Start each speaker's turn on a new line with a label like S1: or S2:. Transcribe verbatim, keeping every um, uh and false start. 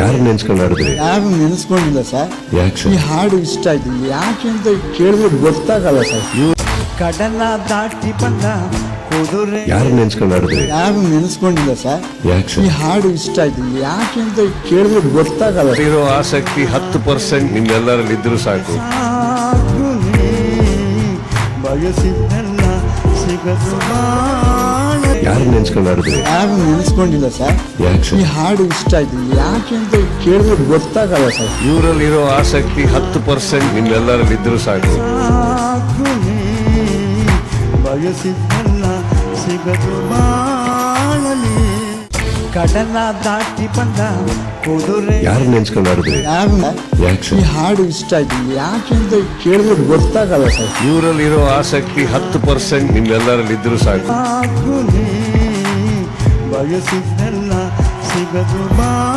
S1: ಯಾರು ನೆನ್ಸ್ಕೊಂಡು ಆಡಿದ್ರಿ?
S2: ಯಾರು ನೆನೆಸ್ಕೊಂಡಿಲ್ಲ ಸರ್.
S1: ಯಾಕೆ
S2: ಈ
S1: ಸರ್?
S2: ಹಾಡು ಇಷ್ಟ ಆಯ್ತು. ಯಾಕೆ ಅಂತ ಕೇಳಿದ್ರೆ ಗೊತ್ತಾಗಲ್ಲ ಸರ್.
S3: ಕಡಲ ದಾಟಿ ಬಂದ ಕುದುರೆ
S1: ಯಾರು ನೆನ್ಸ್ಕೊಂಡು ಆಡಿದ್ರಿ?
S2: ಯಾರು ನೆನೆಸ್ಕೊಂಡಿಲ್ಲ ಸರ್.
S1: ಯಾಕೆ
S2: ಈ
S1: ಸರ್?
S2: ಹಾಡು ಇಷ್ಟ ಆಯ್ತು. ಯಾಕೆ ಅಂತ ಕೇಳಿದ್ರೆ ಗೊತ್ತಾಗಲ್ಲ ಸರ್.
S1: ಇರೋ ಆಸಕ್ತಿ ಹತ್ತು ಪರ್ಸೆಂಟ್ ನಿಮ್ಮೆಲ್ಲರಲ್ಲಿ ಇದ್ರು ಸಾಕು.
S3: ಸಾಕು ನೀ ಬಯಸಿದ್ದೆಲ್ಲ ಸಿಗದು ಬಾಳಲಿ.
S1: ಯಾರು ನೆನ್ಸ್ಕೊಂಡು ಆಡಿದ್ರಿ?
S2: ಯಾರು ನೆನೆಸ್ಕೊಂಡಿಲ್ಲ ಸರ್.
S1: ಯಾಕೆ
S2: ಈ
S1: ಸರ್?
S2: ಹಾಡು ಇಷ್ಟ ಆಯ್ತು. ಯಾಕೆ ಅಂತ ಕೇಳಿದ್ರೆ ಗೊತ್ತಾಗಲ್ಲ ಸರ್.
S1: ಇವರಲ್ಲಿರೋ ಆಸಕ್ತಿ ಹತ್ತು ಪರ್ಸೆಂಟ್ ನಿಮ್ಮೆಲ್ಲರಲ್ಲಿ ಇದ್ರು ಸಾಕು.
S3: ಸಾಕು ನೀ ಬಯಸಿದ್ದೆಲ್ಲ ಸಿಗದು ಬಾಳಲಿ. ಕಡಲ ದಾಟಿ ಬಂದ ಕುದುರೆ
S1: ಯಾರು ನೆನ್ಸ್ಕೊಂಡು ಆಡಿದ್ರಿ?
S2: ಯಾರು
S1: ಯಾಕೆ
S2: ಈ
S1: ಸರ್?
S2: ಹಾಡು ಇಷ್ಟ ಆಯ್ತು. ಯಾಕೆ ಅಂತ ಕೇಳಿದ್ರೆ ಗೊತ್ತಾಗಲ್ಲ ಸರ್.
S1: ಇವರಲ್ಲಿರೋ ಆಸಕ್ತಿ ಹತ್ತು ಪರ್ಸೆಂಟ್ ನಿಮ್ಮೆಲ್ಲರಲ್ಲಿ ಇದ್ರು ಸಾಕು.
S3: ಸಾಕು ನೀ ಬಯಸಿದ್ದೆಲ್ಲ ಸಿಗದು ಬಾ